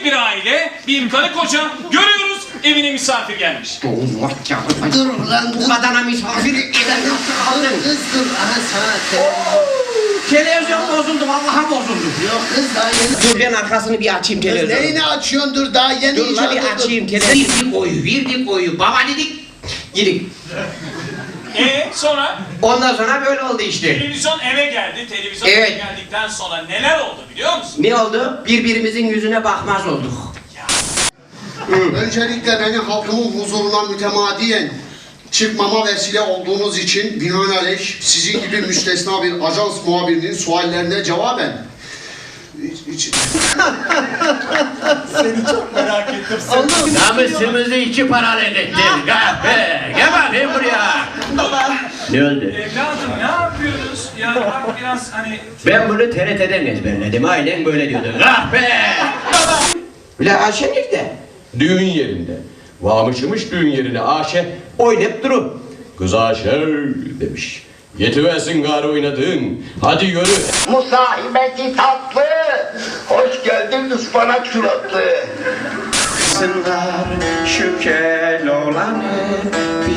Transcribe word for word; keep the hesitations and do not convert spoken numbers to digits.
bir aile, bir karı koca görüyoruz, evine misafir gelmiş. Allah ya. Dur ulan dur. Bu kadına misafir eden nasıl aldın? Kız dur. Aha sana televizyon. Televizyon bozuldu, vallahi bozuldu. Yok kız daha yeni. Dur ben arkasını bir açayım Kız televizyonu. neyini açıyorsun dur daha yeni Dur la icat bir oldu. açayım televizyonu. Verdik oyu, verdik oyu. Baba dedik, gidik. E sonra Ondan sonra böyle oldu işte. televizyon eve geldi. Televizyon Evet. eve geldikten sonra neler oldu biliyor musun? Ne oldu? Birbirimizin yüzüne bakmaz olduk. Öncelikle beni halkımın huzuruna mütemadiyen çıkmama vesile olduğunuz için binaenaleyh sizin gibi müstesna bir ajans muhabirinin suallerine cevaben Seni çok merak ettim. Namusumuzu iki paralık ettin. Kahpe. Gel bakayım buraya. Ne oldu? Evladım ne yapıyoruz? Yani bak biraz hani... Ben bunu T R T'den ezberledim. Aynen böyle diyordu. Kahpe. La Ayşe nerede? Düğün yerinde. Varmışmış düğün yerine Ayşe oynayıp durun. Kız Ayşe demiş. Yetiversin gari oynadığın. Hadi yürü. Musahibeti tatlı, hoş geldin ıspanak suratlı. Sınlar şu kel olanı